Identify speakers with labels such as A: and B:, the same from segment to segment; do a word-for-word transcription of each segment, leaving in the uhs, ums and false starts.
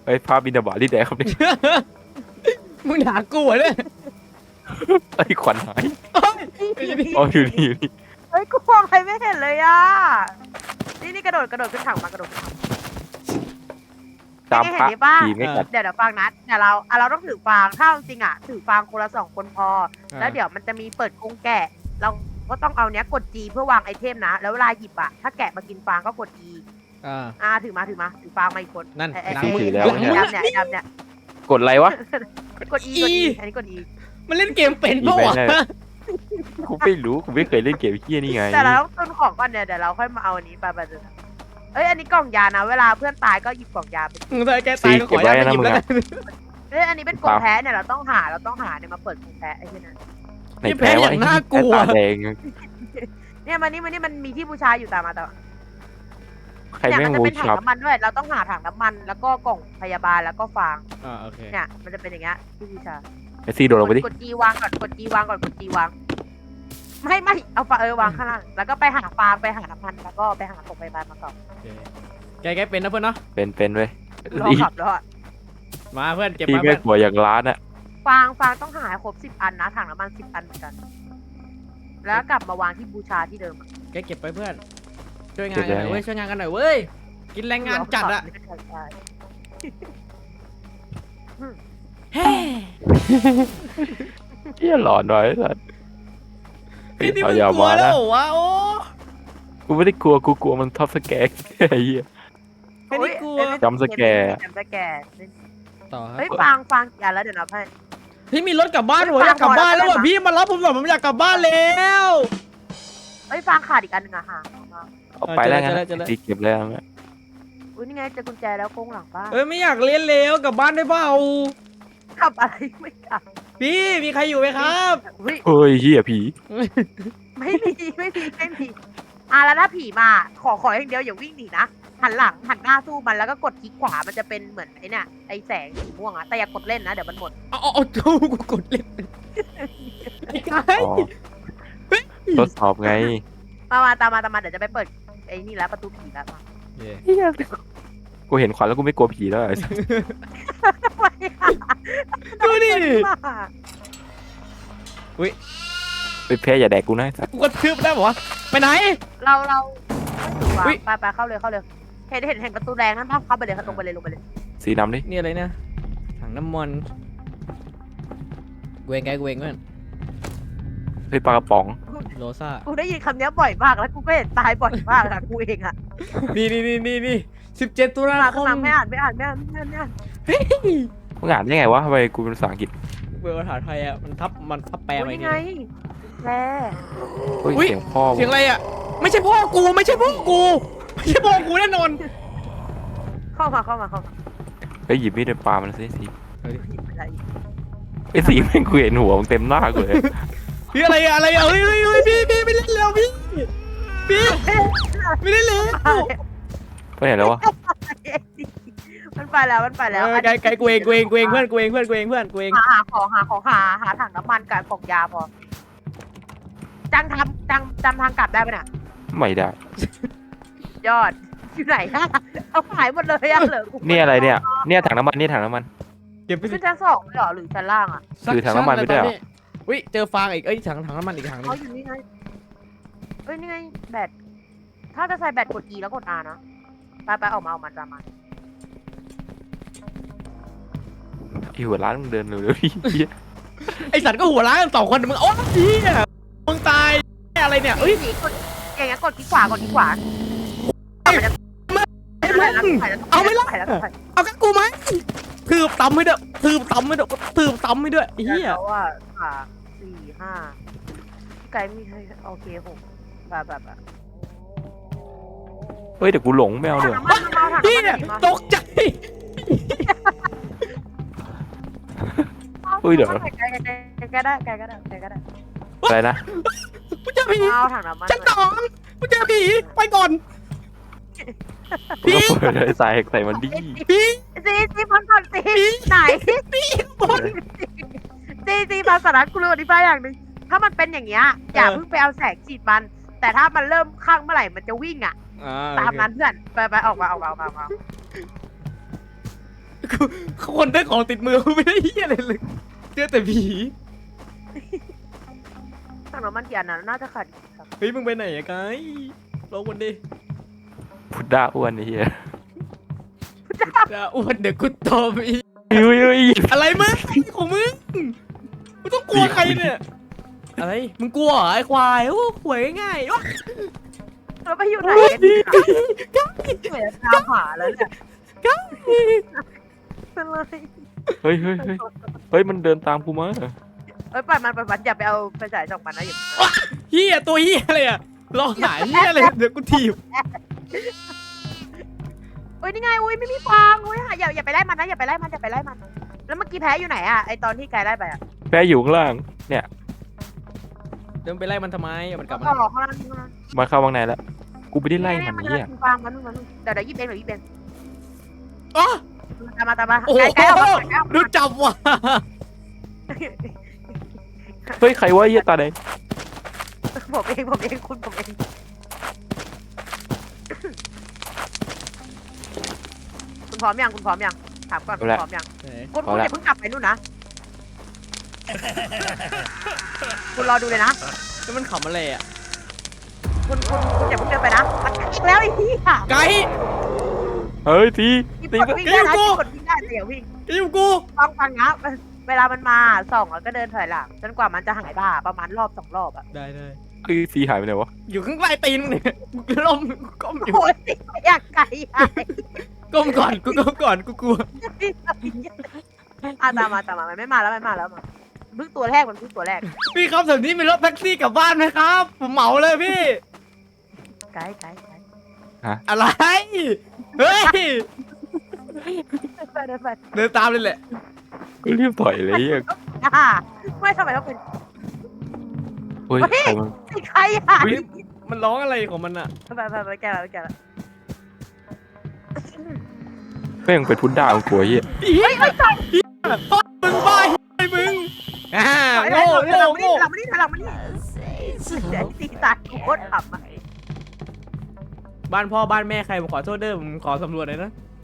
A: ไอ้ภาพบินาบาที่ไหนครับเนี่ย
B: มึงด่ากูเหรอเนี่ย
A: ไอ้ขวัญหายอ๋ออยู่นี่อยู่นี่
C: เฮ้ยกูมองอะไรไม่เห็นเลยอ่ะนี่นี่กระโดดกระโดดขึ้นถังมากระโดดขึ้นถัง
A: ตาม
C: ไม่
A: พ
C: เห็น
A: ระ
C: นี่ป่ะ
A: ผีไม่กัด
C: เดี๋ยวเดี๋ยวฟังนะเดี๋ยวเราอ่ะเราต้องถือฟางถ้าจริงอ่ะถือฟางคนละสองคนพอ แล้วเดี๋ยวมันจะมีเปิดกรงแกะ เราก็ต้องเอาเนี้ยกด G เพื่อวางไอเทมนะ แล้วเวลาหยิบอ่ะถ้าแกะมากินฟางก็กด E
B: อ่า
C: อ่าถือมาถือมาถือฟางมาอีกคน
B: นั่น
C: ไอ้ไอ้
B: หลัง
C: ไอ้
B: มือ
C: ไอ้
B: หลังมือ
C: ดำเนี่ยไอ้ดำเนี่ย
A: กดอะไรวะ
C: กด E กด E อันนี้กด E
B: มันเล่นเกมเป็นปะวะ
A: อีแม่ กูไม่รู้กูไม่เคยเล่นเกมเฮี้ยนี่ไง
C: แต่เราต้องตุนของก่อนเนี่ยเดี๋ยวเราค่อยมาเอาอันนี้ไปไปเลยเอ้ยอันนี้กล่องยานะ เวลาเพื่อนตายก็หยิบกล่องยาไป
B: มึงถ้าแกตายก็ขออนุญาตไปหยิบแล้วกัน
C: เอ้ยอันนี้เป็นกรงแพ้เนี่ยเราต้องหาเราต้องหาเนี่ยมาเปิดกรงแพ้ไอ้ที่นั่น
A: ไหนแพ้ว่าไอ้
B: น่ากลัว
A: ตาแดง
C: เนี่ยมันนี่มันนี่มันมีที่บูชาอยู่ตามมาแต่ว่า
A: ใคร
C: เนี่ย
A: แม่
C: มั
A: ง
C: นจะ
A: วู
C: เป็นถัง
A: ชับ
C: น้ำมันด้วย เราต้องหาถังน้ำมัน แล้วก็กล่องพยาบาลแล้วก็ฟาง
B: อ่าโอเค
C: เนี่ยมันจะเป็นอย่างเงี้ยที่บูชา
A: ไอซีโดดลงไปดิ
C: กดจีวางก่อนกดจีวางก่อนกดจีวางไม่ไม่เอาฟาเออวางข้างล่างแล้วก็ไปหาฟางไปหาน้ำมันแล้วก็ไปหากล่องพยาบาลมาก่อน
B: โอเคแกแกเป็นนะเพื่อนเนาะ
A: เป็นเป็นเว้ย
C: รอขับแล้วอะ
B: มาเพื่อนเก็บ
A: ที่
B: มา
A: แม่
B: เพื่อน
A: กลัวอย่างร้านอะ
C: ฟางฟางต้องหาให้ครบสิบอันนะถังน้ำมันสิบอันเหมือนกัน แล้วกลับมาวางที่บูชาที่เดิม
B: แกเก็บไปเพื่อนช่วยงานกันหน่อยเว้ยช่วยงานกันหน่อยเว้ยกินแรงงานจัดอะเฮ้
A: เฮี้ยหลอนหน่อยสัส
B: พี่นี่
A: เอา
B: มึง
A: อย่าก
B: ลัว
A: มา
B: แล้
A: นะ
B: วเหรอวะโอ้
A: กูไม่ได้กลัวกูกลัวมันทับสแกนไอ้เหี้ย
B: แค่นี้กลัว
A: จำสแกร์
C: จำสแกร์
B: ต่อครับ
C: เฮ้ยฟางฟางกี่อันแล้วเดี๋ยวนับให้
B: พี่มีรถกลับบ้านผมอยากกลับบ้านแล้วว่ะพี่มารับผมหน่อยผมอยากกลับบ้านแล้ว
C: เฮ้ยฟางขาดอีกอันหนึ่งอะค่ะ
A: เอาไปแล้วงั้น
B: เจอแล้วเจอแล้ว
A: ตีเก็บแล้วงั้น
C: อุ้ยนี่ไงเจอกุญแจแล้วโค้งหลังบ้าน
B: เอ้ยไม่อยากเล่นแล้วกลับบ้านได้เปล่า
C: ขับอะไรไม่ขับ
B: พี่มีใครอยู่ไหมครับ
C: อุ้ย
A: เฮ้ยเฮี้ยผี
C: ไม่มีไม่มีไม่มีอ่ะแล้วถ้าผีมาขอขออย่างเดียวอย่าวิ่งหนีนะหันหลังหันหน้าสู้มันแล้วก็กดคลิกขวามันจะเป็นเหมือนไอ้เนี่ยไอ้แสงสีม่วงอะแต่อย่ากดเล่นนะเดี๋ยวมันหมด
B: เอาเอาเอากูกูกดเล่นไอ้กาย
A: อ๋อทดสอบไง
C: มามาตามมาตามมาเดี๋ยวจะไปเปิดไอ้นี่แล้วประตูผีแล้วมา
A: เฮี้ยกูเห็นขวัญแล้วกูไม่กลัวผีแล้วไอ้สัส
C: ทำไมอะ
B: ดูดิ
C: มา
A: ไปแพ้อย่าแดกกูนะไอ้สัส
B: กูกระทืบได้ปะวะไปไหน
C: เราเราไม่ถือว่า
B: อุ๊ย
C: ไปไปเข้าเลยเข้าเลยเห็นเห็นเห็นประตูแดงนั่นเข้าไปเลยเข้าตรงไปเลยลงไปเลย
A: สีน้ำดิ
B: นี่อะไรเนี่ยถังน้ำมันเวงไงเวงเพื่อน
A: เฮ้ยปลากระป๋อง
B: โรซ่า
C: กูได้ยินคำนี้บ่อยมากแล้วกูก็เห็นตายบ่อยมากอะกูเองอะ
B: นี่นี่นี่นี่นี่สิบเจ็ดตุลา
C: มา
B: ค
C: ขึ้น
B: ม
C: มาไม่อ่านไม่อ่านไม่อ่านไม่อ่านไม่อ่าน
A: มึงอ่านได้ไงวะทำไมกูเป็นภาษาอังกฤษ
B: เบอร์ภาษาไทยอ่ะมันทับมันทับแปล
C: โอ้
B: มา
C: ย
B: อีก
C: นี่
B: ที
C: ไงแร่
A: เฮ้ย
B: อุ๊ย
A: เสียงพ่อ
B: เสียงอะไรอ่ะไม่ใช่พ่อกูไม่ใช่พ่อกูไม่ใช่พ่อกูแน่นอน
C: เข้ามาเข้ามาเข้ามา
A: เฮ้ยหยิบมีดไปปามันสิสี
C: หยิบอะไรอีก
A: ไอ้สีแม่งกูเห็นหัวมึงเต็มหน้ากูเลย
B: พี่อะไรอะอะไรอะเฮ้ยเฮ้ยเฮ้ยพี่พี่ไม่เล่นแล้วพี่พี่ไม่เล่นแล้ว
A: ไปไหนแล้ววะ
C: มันไปแล้วมันไปแล้ว
B: เออไกลไกลกูเองกูเองกูเองเพื่อนกูเองเพื่อนกูเองเพื่อนกูเอง
C: หาหาของหาของหาหาถังน้ำมันกับกล่องยาพอจังทำจังจำทางกลับได้ไหมน่ะ
A: ไม่ได้
C: ยอดอยู่ไหนอะเอาหายหมดเลยอะเหลือกู
A: เนี่ยอะไรเนี่ย เนี่ยถังน้ำมันนี่ถังน้ำมัน
B: เก็บไปสิ
C: ขึ้นชั้นสองเลยเหรอหรือชั้นล่างอะ
A: ถือถังน้ำมันไปด้วยเหรอ
B: อุ้ยเจอฟางอีกเอ้ยถังถังน้ำมันอีกถังนึ
C: เขา
B: ง
C: อยู่นี่ไงเอ้ยนี่ไงแบตถ้าจะใส่แบตกด E แล้วกด R นะไปไปออกมาออกมาตามมา
A: ไอ้หัวร้านมึงเดินเร็วๆดิ
B: ไอสัตว์ก็หัวร้านกันสองคนมึงโอ้ยมึงตายอะไรเนี่ยเอ้ย
C: สีกดอย่างเงี้ยกดคลิกขวากดคลิกขวามันจะ
B: เอาไม่ละเอากับกูไหมทืบตำให้ด้วยทืบตำให้ด้วยทืบตำให้ด้วยเฮีย
C: เพราะว่าสามสี่ห้าพี่ไก่มีให้โอเคหกแบบแบบแบบ
A: เฮ้ยเดี๋ยวกูหลงไม่เอาเดี๋ยว
B: พี่ตกใจ
A: เฮ้ยเดี๋ยว
C: ไก่ไก่ไก่ได้ไก่ก็ได้ไก่ก็ได้
A: อะไรนะ
B: กูเจอผี
C: เอาถังน้ำมัน
B: ชั้นสองกูเจอผีไปก่อน
A: กูก็เปิดเลยใส่ใส่มันดิ
B: พี่
C: ซีซีพันก่อนซีไหน
B: พี่บน
C: ซีซีพันสาระกูรู้อธิบายอย่างหนึ่งถ้ามันเป็นอย่างเงี้ยอย่าเพิ่งไปเอาแสงฉีดมัน แต่ถ้ามันเริ่มข้างเมื่อไหร่มันจะวิ่งอ่ะตามนั้นเพื่อนไปไปออกมาออกมาออกมา
B: กูคนได้ของติดมือกูไม่ได้เหี้ยอะไรเลยเจอแต่ผี
C: ถังน้ำมันกี่อันนะน่าจะขาดอีกครับ
B: เฮ้ยมึงไปไหนอะไกด์รอวันดิ
A: พุดด้าอ้วนไอ้เหี้ย
B: จะอ้วนเดี๋ยวกูตบอีก
A: เฮ้ยเฮ้ย
B: อะไรมึงของมึงมึงต้องกลัวใครเนี่ยอะไรมึงกลัวเหรอไอ้ควายโอ้หวยง่ายๆโอ้
C: เราไปอยู่ไหนกันดีเหมือนตามหาแล้วเนี่ยเป็นไร
A: เฮ้ยเฮ้ยเฮ้ยเฮ้ยมันเดินตามกูมา
C: เอ้ยปล่อยมันปล่อยมันอย่าไปเอาไปจ่ายจอกมันนะอย่า
B: เฮียตัวเฮียอะไรอะลองหาเฮียอะไรเดี๋ยวกูถีบ
C: เอ้ยนี่ไงอุ้ยไม่มีฟางอุ้ยอย่าอย่าไปไล่มันนะอย่าไปไล่มันอย่าไปไล่มัน แล้วเมื่อกี้แพ้อยู่ไหนอะไอตอนที่ไกลไล่ไปอะ
A: แพ้อยู่ข้างล่างเนี่ย
B: เดินไปไล่มันทำไมเอามันกลับมา
C: ก็รอข้างล่างข้างล่าง
A: มาเข้าวังในแล้วกูไม่ได้ไล่มัน
C: มัน
A: เนี่ย
C: ฟางมันมันเดี๋ยวเดี๋ยวยิบเองเดี๋ยวยิบเอง
B: อ๋อ
C: ตามมาตามมา
B: โอ้โห
C: ไกลๆออกมาไกลๆออก
B: ดู
C: มา
B: จับว่ะ
A: เฮ้ยใครวะไอ้เหี้ยตาแดง
C: ผมเองผมเองคุณผมเองคุณพร้อมยังคุณพร้อมยังถามก่อนคุณพร้อมยังคุณคุณอย่าเพิ่งกลับไปนู่นนะคุณรอดูเลยนะ
B: แล้วมันขำอะไรอ่ะ
C: คุณคุณคุณอย่าเพิ่งเดินไปนะมันอีกแล้วไอ้ที่ค่ะ
B: ไกด์
A: เฮ้ยตี
C: ที่
A: ตี
C: กดวิ่งได้นะที่กดวิ่งได้แต่อย่าวิ่ง
B: อยู่กู
C: ฟังฟังนะเวลามันมาส่องแล้วก็เดินถอยหลังจนกว่ามันจะหายบ้าประมาณรอบสองรอบอะ
B: ได้ได้
A: คือตีหายไปไหนวะ
B: อยู่ข้างใต้ตีนมึงเนี่ยกูล้มก้มอยู่
C: โอ้ยอยากไกลอ่ะ
B: ก้มก่อนกูก้มก่อนกูกลัว
C: อ่ะตามมาตามมามันไม่มาแล้วมันไม่มาแล้วมาเพิ่งตัวแรกมันเพิ่งตัวแรก
B: พี่ครับแถวนี้มีรถแท็กซี่กลับบ้านไหมครับผมเหมาเลยพี่
C: ไกลไกลไกล
B: อะไรเฮ้ย
C: ไปเดินไป
B: เดินตามเลยแหละ
A: ก็รีบถอยเลยไอ้เหี้ย
C: อ่าไม่ทำไมต้องเป็น
A: เฮ้ยใครมัน
C: ใครอ่ะ
B: มันร้องอะไรของมันอะ
C: ไปไปไปแกแล้วไปแกแล้ว
A: แม่งเป็นพุดด้าของกูไอ้เหี้ย
B: เฮ้ยไม่ใช่มึงบ้าไอ้มึงอ่าโง่โง่โง่
C: หลังมานี่หลังมานี่เดี๋ยวตีตายโคตรขำอ่ะ
B: บ้านพ่อบ้านแม่ใครผมขอโทษเด้อผมขอสำรวจหน่อยนะ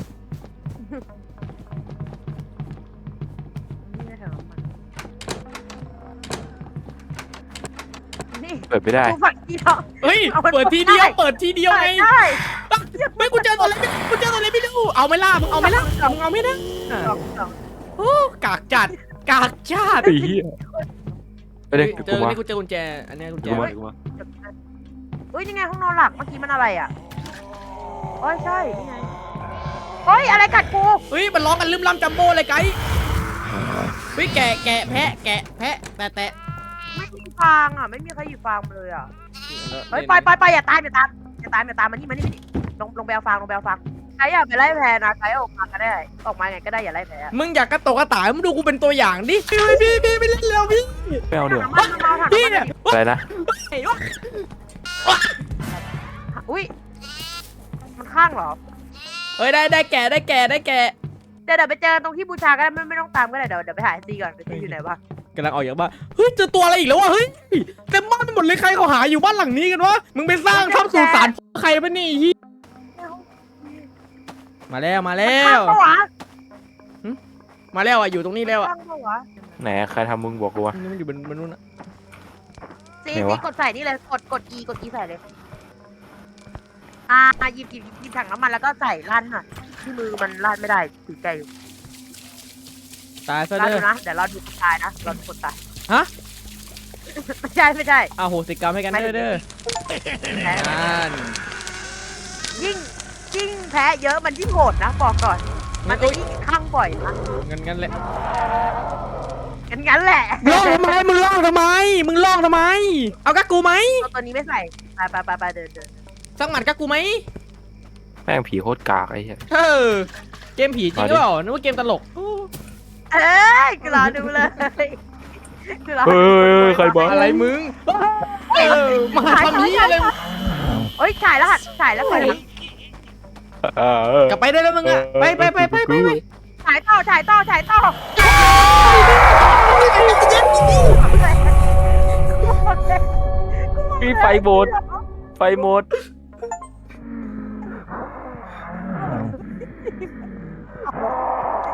C: นี่
A: เปิดไม่ได้
C: กูฝันที่เรา
B: เฮ้ยเปิดทีเดียวเปิดทีเดียวไง
C: ได้
B: ไม่กูเจอตัวอะไรกูเจอตัวอะไรไม่รู้เอาไม่ล่ามึงเอาไม่ล่ามึงเอาไม่ได้
C: สองสอง
B: โอ้กากจัดกากจัด
A: ไอ้เหี้ยไปเลย
B: เจ
A: กู
B: อ
A: มา
B: นี่กูเจอกุญแจอันนี้กุญแจ
A: กูมากูมา
C: อุ้ยนี่ไงห้องนอนหลักเมื่อกี้มันอะไรอ่ะโอ้ยใช่นี่ไงเฮ้ยอะไรกัดกู
B: เฮ้ยมันร้องกันลืมล่ำจัมโบ้เลยไกด์เฮ้ยแกะแกะแพะแกะแพะแตะแตะ
C: ไม่มีฟางอ่ะไม่มีใครอยู่ฟางเลยอ่ะเฮ้ยไปไปไปอย่าตายอย่าตามอย่าตามอย่าตามมานี่มานี่มานี่ลงลงไปเอาฟางลงไปเอาฟางใครอยากไปไล่แพ้นะใครออกมาก็ได้ออกมาไงก็ได้อย่าไล่แพ้
B: มึงอยากกระตกกระต่ายมึงดูกูเป็นตัวอย่างดิพี่พี่พี่ไม่เล่นแล้วพี่
A: ไม่เอาเดี๋ยว
C: มันมาถัง
B: พี่
C: มัน
B: เนี่ย
A: อะไรนะ
C: อุ้ยมันข้างเหรอ
B: เฮ้ยได้ได้แกะได้แกะได้แกะ
C: เดี๋ยวเดี๋ยวไปเจอตรงที่บูชาก็ได้ไม่ไม่ต้องตามก็ได้เดี๋ยวเดี๋ยวไปหาซีก่อนไปซีอยู่ไหนวะ
B: กำลังออกจากบ้านเฮ้ยเจอตัวอะไรอีกแล้ววะเฮ้ยเต็มบ้านไปหมดเลยใครเขาหาอยู่บ้านหลังนี้กันวะมึงไปสร้างทับสุสานใครปะนี่ฮีมาแล้วมาแล้ว
C: ข้างปะวะ
B: มาแล้วอ่ะอยู่ตรงนี้แล้วอ่ะ
C: ข้างปะวะ
A: ไหนใครทำมึงบอกกูวะ
B: นี่มันอยู่บนบนนู้นอ่ะ
C: ซี
A: ไหน
C: ซี
A: วะ
C: กดใส่นี่เลยกดกด E กด E ใส่เลยอ่าหยิบหยิบหยิบถังน้ำมันแล้วก็ใส่ลั่นหน่อยที่มือมันลั่นไม่ได้ถือใจอยู่
B: ตายซะ
C: ลั่น
B: เด้
C: ดู
B: อ
C: นะเดี๋ยวเราดูคนตายนะเราดูคนตาย
B: ฮะ
C: ไม่ใช่ไม่ใช่
B: อาโหสิกรรมให้กันเด้อเด้อ
C: แพ้
B: นั่น
C: ยิ่งยิ่งแพ้เยอะมันยิ่งโหดนะบอกก่อน มันจะยิ่งข้างบ่อยนะ
B: งั้นงั้นแหละ
C: งั้นงั้นแหละ
B: ล่องทำไมมึงล่องทำไมมึงล่องทำไม เอากักกูไหม
C: เอาตัวนี้ไม่ใส่ไปไปไปไปเดินเดิน
B: สักหมัดกักกูไหม
A: แม่งผีโคตรกากไอ้เหี้ย
B: เออเกมผีจริงหรือเปล่านึกว่าเกมตลก
C: เอ้ยกูรอดูเลยกูรอ
A: เฮ้ยใครบ้า
B: อะไรมึงเออมาทำนี้อะไร
C: เฮ้ยถ่ายแล้วหัดถ่ายแล้วถ่ายแล้ว
A: อ่าเออก
B: ลับไปได้แล้วมึงอ่ะไปไปไปไปไปไป
C: ถ่ายต่อถ่ายต่อถ่ายต่อ
A: มีไฟโบดไฟโหมด
C: ไ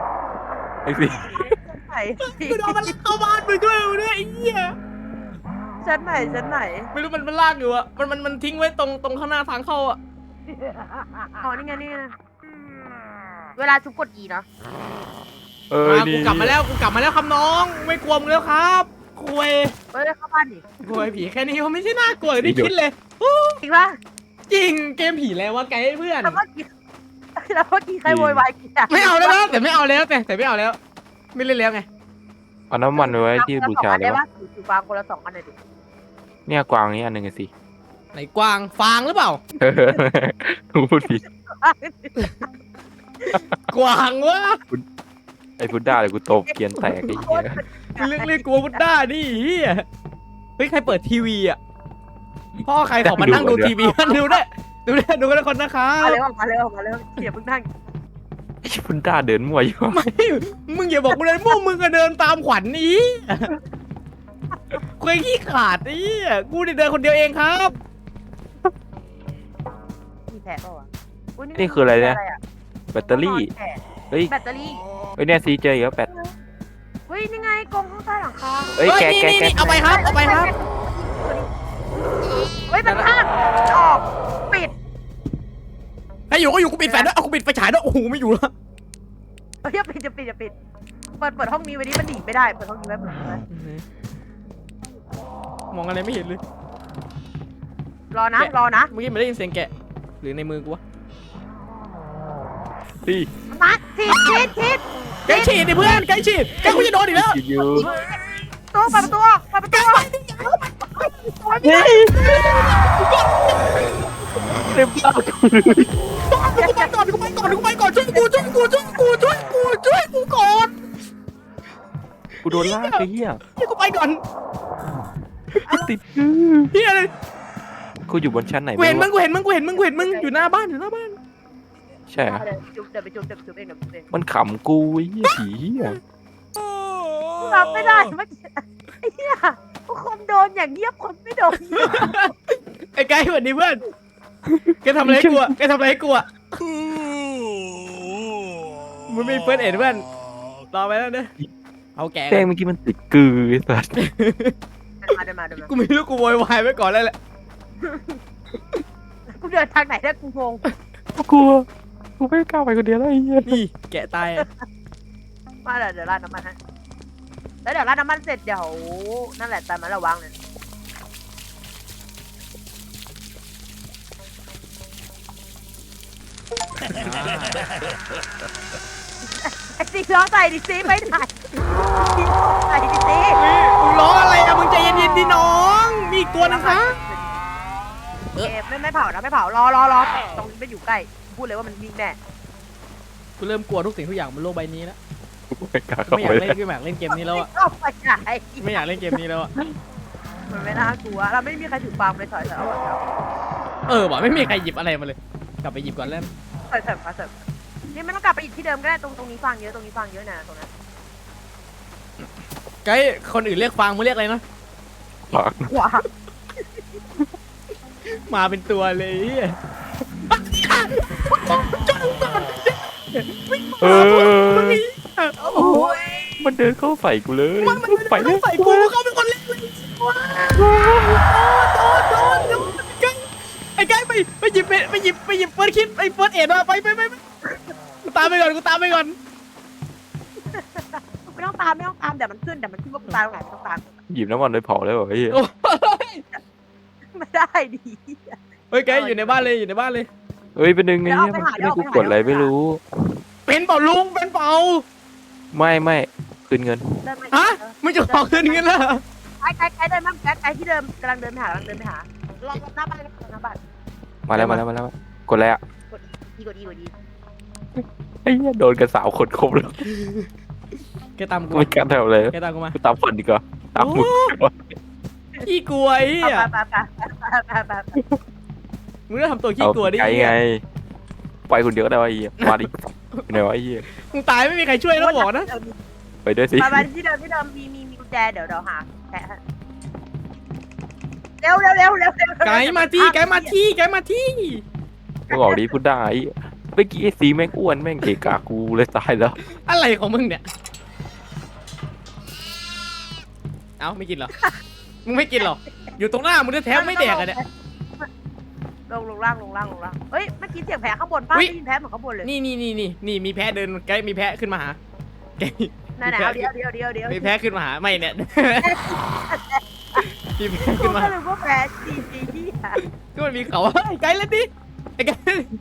A: อ้สิ
C: ไหน
B: กูโดนมันลากเข้าบ้านมึงด้วยเนี่ยไอ้เหี้ย
C: ชั้นไหนชั้นไหน
B: ไม่รู้มันมันลากอยู่อะมันมันมันทิ้งไว้ตรงตรงข้างหน้าทางเข้าอะ
C: อ๋อนี่ไงนี่ไงเวลาชุบกด E เนาะ
A: เออ
B: มา
A: นี่
B: กูกลับมาแล้วกูกลับมาแล้วครับน้องไม่กลัวมึงแล้วครับคุย
C: เฮ้ยเข้าบ้านดิ
B: คุยผีแค่นี้มันไม่ใช่น่ากลัวอย่างที่คิดเลย
C: จริงปะ
B: จริงเกมผีแล้ววะไกด์เพื่อน
C: แล้วเมื่อกี้แล้วเมื่อกี้ใครโวยวายกี่ะ
B: ไม่เอาแล้วนะแต่ไม่เอาแล้วแต่แต่ไม่เอาแล้ว ไม่เล่นแล้วไง
A: เอาน้ำมันไว้ที่บูชาเล
C: ได้
A: ยวะ
C: ปะถือฟางคนละสองอันเลยดิ
A: เนี่ยกวางนี่อันหนึ่งสิ
B: ไหนกวางฟางหรือเปล่า
A: เออกูพูดผิด
B: กวางวะ
A: ไอ้พุดด้าเลยกูตบเกียนแตกไอ้เหี้ย
B: เรื่องเรื่องกลัวบุดด้านี่เฮียเฮ้ยใครเปิดทีวีอ่ะพ่อใครขอมานั่งดูทีวีกันดูได้ดูได้ดูกันทุกคนนะครั
C: มา
B: บ
C: เร็วมาเร็วมาเร็วเดี๋ยวเพิ่งนั่ง
A: ไอ้พุดด้าเดินมั่วอยู่
B: ไม่มึงอย่าบอกกูเลยพวกมึงก็เดินตามขวัญนี้กูขี้ขาดนี่กูเดินคนเดียวเองครับ
C: มีแผลเปล่าวะย
A: นี่คืออะไรเนี่ยแบตเตอรี่
C: แผล
A: เฮ้ย
C: แบตเตอรี่
A: เฮ้ยเนี่ยซีเจออีกแล้วแบต
C: เฮ้ยนี่ไงกรงข้างใต้หลังคา
A: เฮ้ยแกะ
B: นี่
A: แกะ
B: นี่
A: แกะ
B: นี่เอาไปครับเอาไปครับ
C: เฮ้ยมันข้างออกปิด
B: ให้อยู่ก็อยู่กูปิดแฟลชด้วยเอากูปิดไฟฉายด้วยโอ้โหไม่อยู่แล้ว
C: เฮ้ยปิดจะปิดจะปิดเปิดเปิดห้องนี้ไว้ดิมันหนีไม่ได้เปิดห้องนี้ไว้เปิดห้องนี้ไว้
B: มองอะไรไม่เห็นเลย
C: รอนะรอนะ
B: เมื่อกี้ไม่ได้ยินเสียงแกะหรือในมือกูวะ
A: พี่
C: มาทีดทีดทีด
B: ไกด์ฉีดดิเพื่อนไกด์ฉีดไกด์กูจะโดนอีกแล้ว
A: คิดอยู่
C: ตัวเปิดประตูเปิดประตู
A: เต็มปากกูเลย
B: กูไปก่อนกูไปก่อนกูไปก่อนช่วยกูช่วยกูช่วยกูช่วยกูช่วยกูก่อน
A: กูโดนลากไอ้เหี้ย
B: ช่วยกูไปก่อน
A: ติด
B: เฮียเลย
A: กูอยู่บนชั้นไหน
B: กูเห็นมึ
A: รู้
B: งกูเห็นมึงกูเห็นมึงกูเห็นมึงอยู่หน้าบ้านอยู่หน้าบ้าน
A: ใช่เหรอ
C: เดี๋ยวจุ๊บเดี๋ยวไปจุ๊บเดี๋ยวไปจุ๊บเองเดี๋ยวไปจุ๊บเอง
A: มันขำกูไอ้เหี้ยผีเหี้ย
C: รับไม่ได้เมื่อกี้ไอ้เหี้ยคนโดนอย่างเงียบคนไม่โดน
B: ไอ้ไกด์สวัสดีเพื่อนแกทำอะไรให้กูอะแกทำอะไรให้กูอะมึงไม่เฟิร์สเอ็ดเพื่อนรอไปแล้วเด้อเอาแก
A: แป้งเมื่อกี้มันติดกือไอ้สัส
C: เดินมาเดินมาเดินมา
B: กูไม่รู้กูโวยวายไว้ก่อนแล้วแหละ
C: กูเดินทางไหนได้กูงง
A: กูกลัวกูไม่กล้าไปคนเดียวแล้วไอ้เหี้ย
B: นี่แกะตายอะ
C: มาเดี๋ยวเดี๋ยวราดน้ำมันฮะแล้วเดี๋ยวราดน้ำมันเสร็จเดี๋ยวนั่นแหละตามมาระวังเลยไอ้ซีล้อใส่ดิซีไปไหนใส่ดิซี
B: มึงร้องอะไรอะมึงใจเย็นๆดิน้องมีอีกตัวนะคะ
C: เอไม่ไม่เผานะไม่เผารอรอรอตรงนี้ไม่อยู่ใกล้พูดเลยว่ามันวิ่งแน่
B: กูเริ่มกลัวทุกสิ่งทุกอย่างบนโลกใบนี้แล้ว
A: กูไม่กล้าเข้า
B: ไม่อ
A: ไป
B: ยากเล่นไม่อยากเล่นเกมนี้แล้วอะ
C: เข้าไปไหน
B: ไม่อยากเล่นเกมนี้แล้วอะ
C: มันไม่น่ากลัวเราไม่มีใครถือปาล์มเลยถอยถอยเอาถอย
B: เออว่ะไม่มีใครหยิบอะไรมาเลย กลับไปหยิบก่อนแล้ว
C: ถอยถอยมาถอยนี่ไม่ต้องกลับไปอีกที่เดิมก็ได้ตรงตรงนี้ฟังเยอะตรงนี้ฟังเยอะนะตรงนั้น
B: ไกด์คนอื่นเรียกฟางมึงเรียกอะไรนะ
A: ปาก
C: ขวา
B: มาเป็นตัวเลยเหี้ย
A: เออ
C: โอ้ย
A: มันเดินเข้าใส่กูเลย
B: มันมัน
A: ไป
B: มัน
A: เล
B: ต้อย งใส่กูเขาเป็นคนเล่นเลยโดนโดนโดนโดนไอ้ไกด์ไปไปหยิบไปไปหยิบไปหยิบเฟิร์สคิดไอ้เฟิร์สเอ็ดมาไปไปไปไปกูตามไปก่อนกูตามไปก่อน
C: ไม่ต้องตามไม่ต้องตามเดี๋ยวมันขึ้นเดี๋ยวมันขึ้นว่ากูตายตรงไหนไม่ต้องตาม
A: หยิบน้ำมันไปเผาแล้วเหรอไอ้เหี้ย
B: โอ้ย
C: ไม่ได้ดี
B: เฮ้ยไกด์อยู่ในบ้านเลยอยู่ในบ้านเลย
A: เฮ้ยเป็นหนึ่งไงเนี่ยมันให้กูกดอะไรไม่รู้
B: เป็นเปล่าลุงเป็นเปล่า
A: ไม่ไม่คืนเงิน
C: เดินมา
B: ฮะมึงจะขอคืนเงินแล้ว
C: ไอ้ไอ้ไอ้เดินมาไอ้ไอ้ที่เดิมกำลังเดินไปหากำลังเดินไปหารอหน้าบ้านเลยหน้าบ้าน
A: มาแล้วมาแล้วมาแล้วกดแล้ว
C: ดีกว่าดีกว่าดี
A: ไอ้เหี้ยโดนกันสาวคนครบแล้ว
B: แกตามกู
A: ไม่กล้าทำอะไร
B: แกตามกูมา
A: กูตามฝันดีกว่าตามมึง
B: ขี้กลัวไอ้เหี้ย
C: ไปไปไปไปไป
B: มึงต้องทำตัวขี้
A: เอา
B: กลัวดิ
A: ไกลไงไปคนเดียวก็ได้วะไอ้เหี้ยมาดิไหนวะไอ้เหี้ย
B: มึงตายไม่มีใครช่วยแล้วบอกนะ
A: ไปด้วยสิ
C: ไปไปที่เดิมที่เดิมมีมีมีกุญแจเดี๋ยวเดี๋ยวหาแทะเร็วเร็วเร็วเร็วเร็ว
B: ไกด์มาที่ไกด์มาที่ไกด์มาที่
A: กูบอกดิพูดได้เมื่อกี้ไอ้สีแม่งอ้วนแม่งเกะกะกูเลยตายแล้ว
B: อะไรของมึงเนี่ยเอ้าไม่กินเหรอมึงไม่กินเหรออยู่ตรงหน้ามึงแท้ๆไม่แดกอะเนี่ย
C: ลงลงล่างลงล่างลงล่างเฮ้ยเมื่อกี้เสียงแพ้ข้างบนป้า
B: อุ๊ย
C: ได้ยินแพ้เหมือนข้างบนเลย
B: นี่นี่นี่นี่นี่มีแพะเดินใกล้มีแพะขึ้นมาหาใกล้
C: นั่น
B: มี
C: นะ
B: แพะ
C: เดี๋ยวเดี๋ยวเดี๋ยวเดี๋ยว
B: มีแพะขึ้นมาหาไม่เนี่ย มีแพะ
C: กู
B: ขึ้นมา
C: ก็เลยว่าแพ้จีจีที่อะ
B: ก็มันมีเขาไอ้ไกลแล้วดิไอ้ไกล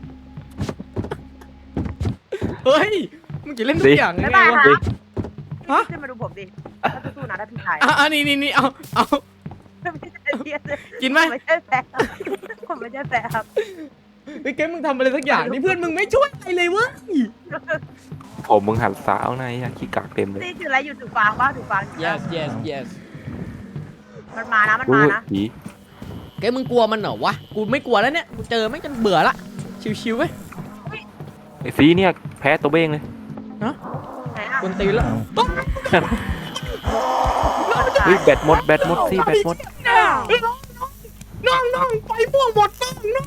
B: เฮ้ยมึงจะเล่นทุกอย่างยัง
C: บ๊าย
B: ไง
C: บายว
B: ะ
C: ค่ะ
B: ฮะ
C: ขึ้นมาดูผมดิถ้าสู้ๆนะถ้าพี่ชาย
B: อ่ะอ่ะนี่นี่นี่เอาเอา
C: ไม่ใช่เทียน
B: กินไหม
C: ผมไม่ใช่แพ้ครับผมไม่ใช่แพ้ครับ
B: ไอ้แกมึงทำอะไรสักอย่างนี่เพื่อนมึงไม่ช่วยอะไรเลยเว้ย
A: ผมมึงหันสาวในอะขี้กากเต็มเลย
C: นี่คืออะไรอยู่ถูกฟางป่ะถูกฟางอยู่นะ
B: yes yes yes
C: มันมานะมัน
A: อุ้
C: มาย นะ
A: ผี
B: แกมึงกลัวมันเหรอวะกูไม่กลัวแล้วเนี่ยกูเจอไม่งจนเบื่อละชิวๆเว้ย
A: ไอ้ซีเนี่ยแพ้ตัวเบ้งเลย
C: ไหนอะ
B: กวนตีนแล้ว
A: เฮ้ยแบตหมดแบตหมดซีแบตหมด
B: น้องน้องไปม่วงหมดน้องน้อง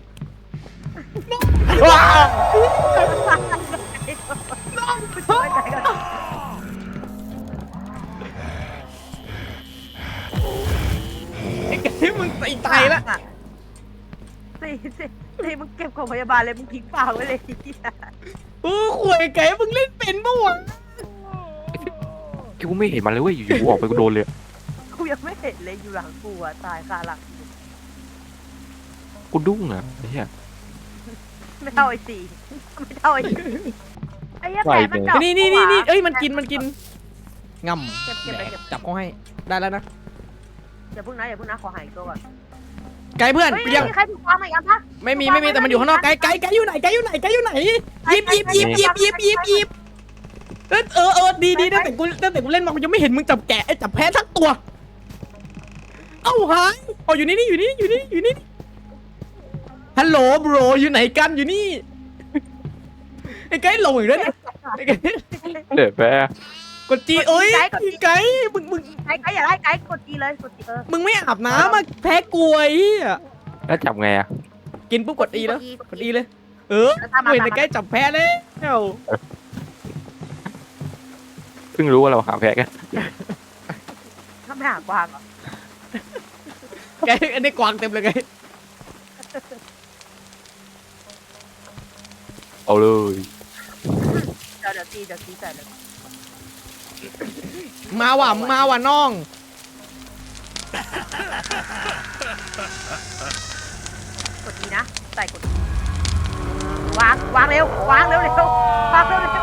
A: ว้าว
C: ช่วยใจกัน
B: ไอ้แกมึงตีตายละ
C: สี่สี่สี่มึงเก็บของพยาบาลเลยมึงทิ้งฝางไว้เลยไอ้เหี้ย
B: โอ้ข่วยไก่มึงเล่นเป็นปะวะ
A: กูไม่เห็นมันเลยเว้ยอยู่ๆกูออกไปกูโดนเลย
C: กูยังไม่เห็นเลยอยู่หลังกูอะตายคาหลัง
A: กูดุ้งอะไอ้เหี้ย
C: ไม่เท่าไอ้สี่ไม่เท่าไอ้สี่ไอ้เหี้ยแผลมันเจาะ
B: นี่นี่นี่นี่เอ้ยมันกินมันกินง
C: เก็บเก็บ
B: ำ
C: ไปเก็บ
B: จับเขาให้ได้แล้วนะ
C: อย่าพึ่งนะอย่าพึ่งนะขอหายตัวก่อน
B: ไก่เพื่อน
C: เฮ้ย
B: กูยัง
C: มีใครถูกวางไหมกันปะ
B: ไม่มีไม่มีแต่มันอยู่ข้างนอกไก่ไก่ไก่อยู่ไหนไก่อยู่ไหนไก่อยู่ไหนหยิบหยิบหยิบหยิบหยิบหยิบหยิบเออเออเออดีดีตั้งแต่กูตั้งแต่กูเล่นมากูยังไม่เห็นมึงจับแกะไอ้จับแพ้ทั้งตัว เอ้าหายอ๋ออยู่นี่นี่อยู่นี่อยู่นี่อยู่นี่ฮัลโหลบรอยู่ไหนกันอยู่นี่ไอ้ไก่หลงอีกแล้วเนี่ยไอ้ไก่
A: เดี๋ยวแพ้
B: กดจีเอ้ยไก่มึงมึง
C: ไก่ไก่อย่าไล่ไก่กดจีเลยกดจีเออ
B: มึงไม่อาบน้ำมาแพ้กลวยอ่ะ
A: แล้วจับไงอะ
B: กินปุ๊บกดอีแล้วกดอีเลย เออเห็นไอ้ไก่จับแพ้แล้ว
A: เพิ่งรู้ว่าเราหาแพ้กัน
C: ถ้าไม่หากวางเหรอ
B: ไก่อันนี้กวางเต็มเลยไก่
A: เอาเลย
C: เดี๋ยวเดี๋ยวจีเดี๋ยวจีใส่เลย
B: มาว่ะมาว่ะน้อง
C: กดจีนะใส่กดจีวางวางเร็ววางเร็วเร็ววางเร็วเร็ว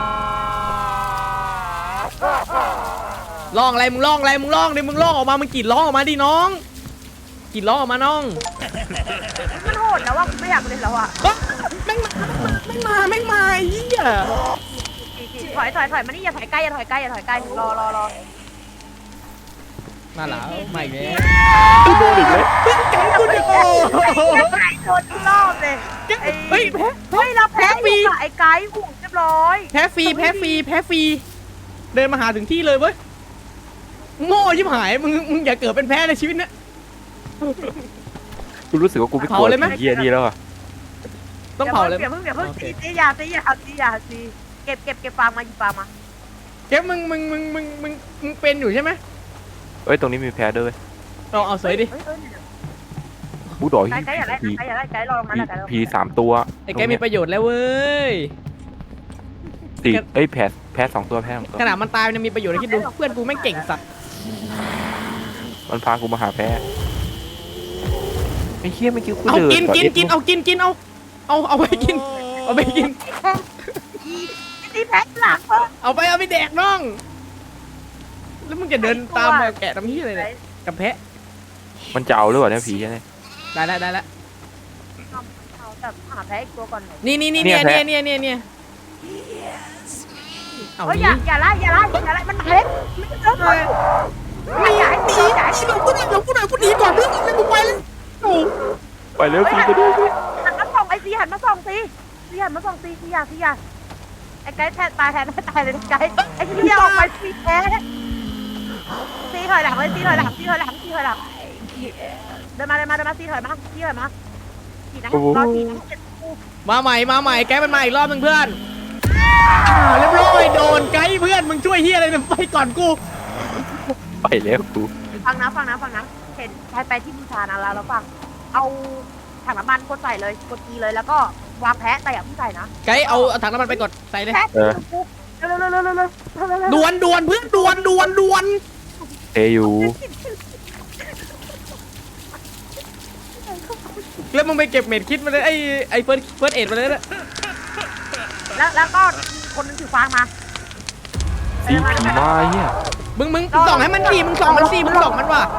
B: ร้องอะไรมึงร้องอะไรมึงร้องดิมึงร้องออกมามึงกรีดร้องออกมาดิน้องกรีดร้องออกมาน้อง
C: มันโหดแล้วว่าไม่อยากเล่นแล้วอ่ะ
B: เอ้ยแม่งมาแม่งมาแม่งมาไอ้เหี้ย
C: จีจีถอยถอยถอยมานี่อย่าถอยใกล้อย่าถอยใกล้อย่าถอยใกล้รอรอรอ
B: มาแล้วมาอีกแล้ว
A: โดนอีกแล้ว
B: ไก่กูดิโอ้
C: ไก่โดนทุกรอบเลยไอ้
B: เฮ้ยแพ้
C: เฮ้ยเราแพ้อยู่กับไอ้ไก่หูเรียบร้อย
B: แพ้ฟรีแพ้ฟรีแพ้ฟรีเดินมาหาถึงที่เลยเว้ยโง่ยิบหายมึงมึงอย่าเกิดเป็นแพ้ในชีวิตนะ
A: กูรู้สึกว่ากูไม่กลัว
B: เผาเลยไหม
A: ผีเหี้ยนี่แล้วอะ
B: ต้องเผาเลย
C: อย่าเพิ่งอย่าเพิ่งตีตียาตียาตียาตีเก็บเก็บเก็บฟางมาหยิบฟางมา
B: แกมึงมึงมึงมึงมึงมึงเป็นอยู่ใช่ไหม
A: เอ้ยตรงนี้มีแพ้ด้วย
B: เอาเอาสวยดิ
C: เฮ้ยเฮ้ยเนี่ย
A: กูดอย
C: ไก่ไก่อย่าไล่
A: ผี
C: ไก่อย่าไล่ไก่รอลงมา
A: ผี
C: แล้วไก่รอลง
A: ผี
C: มา
A: สามตัว
B: ไอ้แกมีประโยชน์แล้วเว้ย
A: สี่เอ้ยแพ้แพ้สองตัวแพ้สองตัว
B: ขนาดมันตายมันยังมีประโยชน์เลยคิดดูเพื่อนกูแม่งเก่งสัตว์
A: มันพากูมาหาแพ้ไอ้เหี้ยไม่คิดกู
B: เอา
A: เดิน
B: กินกินกินเอากินกินเอาเอาเอาไปกินเอาไปกิน
C: อีตีแพ้หลังเพิ่ม
B: เอาไปเอาไปแดกน้อง แล้วมึงจะเดินตามมาแกะทำที่อะไรเนี่ยกับแพะ
A: มันจะเอาหรือเปล่าเนี่ยผีเนี่ย
B: ได้แล้วได้แล้ว
C: เอาแต่หาแพ้อีกตัวก่อนหน่อย
B: นี่นี่นี่
A: เนี่
B: เนี่ย
A: ย
B: เนี่ยเนี่ยเนี่ยเนี่ยเอา
C: เฮ้ยอ
B: นี่
C: ย่าอย่าไล่อย่าไล่อย่าไล่มันเล็กไม่เจอเลยไม่ใหญ่ตีใหญ่
B: หลงกูหน่อยหลงกูหน่อยกูหนีก่อนเพื่อนเลยกูไปแล้วโอ้
A: ไปเร็วผีไปด้วย
C: หันมาส่องไอ้ซีหันมาส่องซีซีหันมาส่องซีซีอยาซีอยาไอ้ไก่แทนตายแทนตายเลยไก่ไอ้ซีอยาออกไปซีแพ้ซีถอยหลังเลยซีถอยหลังซีถอยหลังซีถอยหลังเดินมาเดินมาเดินมาซีถอยมาซีถอยมาซีนะรอซีนะ
B: มาใหม่มาใหม่แกมันมาอีกรอบหนึงเพื่อนอ่าเรียบร้อยโดนไกด์เพื่อนมึงช่วยเฮียอะไรเนี่ยไปก่อนกู
A: ไปแล้วกู
C: ฟังนะฟังนะฟังนะเห็นไปไปที่บูชานะแล้วเราฟังเอาถังน้ำมันกดใส่เลยกดกีเลยแล้วก็วางแพะแต่อย่าเพิ่งใส่นะ
B: ไกด์เอาเอาถังน้ำมันไปกดใส่เลย
C: แพะปุ๊บเร็วเร็วเร็วเร็วเร็วเร็ว
B: ด่วนด่วนเพื่อนด่วนด่วนด่วน
A: เทอยู่
B: แล้วมึงไปเก็บเม็ดคิดมาเลยไอ้ไอ้เฟิร์สเฟิร์สเอ็ดมาเลยนะ
C: แล้วแล้วก็คนนึงถือฟางมา
A: สีผีมาเนี่ย
B: มึงมึงส่องให้มันดีมึงส่องมันสิมึงส่องมันว่ะ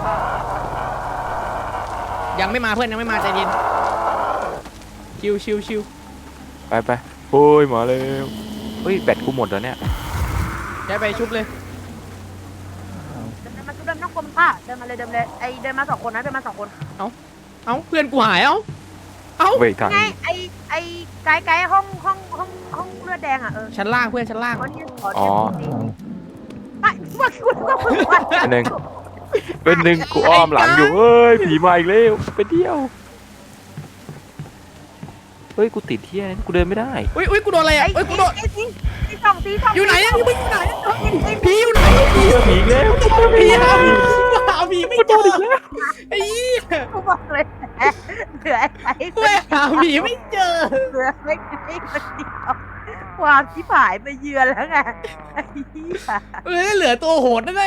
B: ยังไม่มาเพื่อนยังไม่มาใจเย็นชิวชิวชิว
A: ไปไปโอ้ยมาแล้วเฮ้ยแบตกูหมดแล้วเนี่ย
B: ย้ายไปชุบเลย
C: เดินมาชุบเดินต้องกลมผ้าเดินมาเลยเดินเลยไอเดินมาสองคนนะเดินมาสองคน
B: เอ้าเพื่อนกูหายเอ้าเอ้า
A: เว้ยทาง
C: ไงไอไอไกด์ไกด์ห้องห้องห้องห้องเลือดแดงอ่ะเออ
B: ชั้นล่างเพื่อนชั้นล่าง
C: ขอที่ขอที่ไม่เมื่อคุณต้องฝึกว่า
A: เป็นหนึ่งเป็นหนึ่งกูอ้อมหลังอยู่เอ้ยผีมาอีกแล้วไปเที่ยวเฮ้ยกูติดเที่ยกูเดินไม่ได้
B: อุ้ยอุ้ยกูโดนอะไร
C: ไอ
B: อ่ะอุ้ยกูโดน
C: ไอสีสีสองสีสอง
B: อยู่ไหนอ่ะอยู่ไหนผีอยู่ไหน
A: เจอผีอีกแล้ว
B: ผีหาหาผีไม่เจอไอ้ยี่
C: กูบอกเลยเหลือไอ้
B: กูหาผีไม่เจอ
C: เหลือไอ้ไอ้คนเดียวความที่ผายมาเยือนแล้วไงไอ้เหี้ย
B: เออเหลือตัวโหดนั่นไง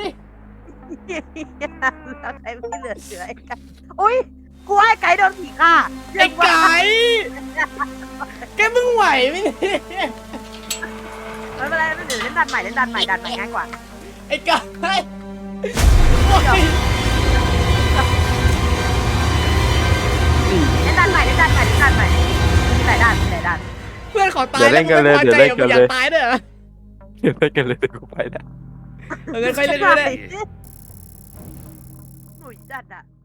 C: แล้วใครไม่เหลือเสือไอ้ไก่อุ้ยกูให้ไก่โดนผีฆ่า
B: ไอ้ไก่แกมึงไหวไหมเนี่ย
C: ไม่เป็นไรไม่เป็นไรเล่นดันใหม่เล่นดันใหม่ดันใหม่ง่ายกว่า
B: ไอ้ไก่โอ้ย
C: เล่นดันใหม่เล่นดันใหม่เล่นดันใหม่มีหลายด้านมีหลายด้าน
B: เพื่อนขอตายแล้วมึงไม่พอใจกับมึงอยากตายด้วยเหรอ
A: เดี๋ยวไปกันเลยเดี๋ยวกูไปนะ
B: เออค่อยเล่นด้วย
C: หนุ่ยจัดอ่ะ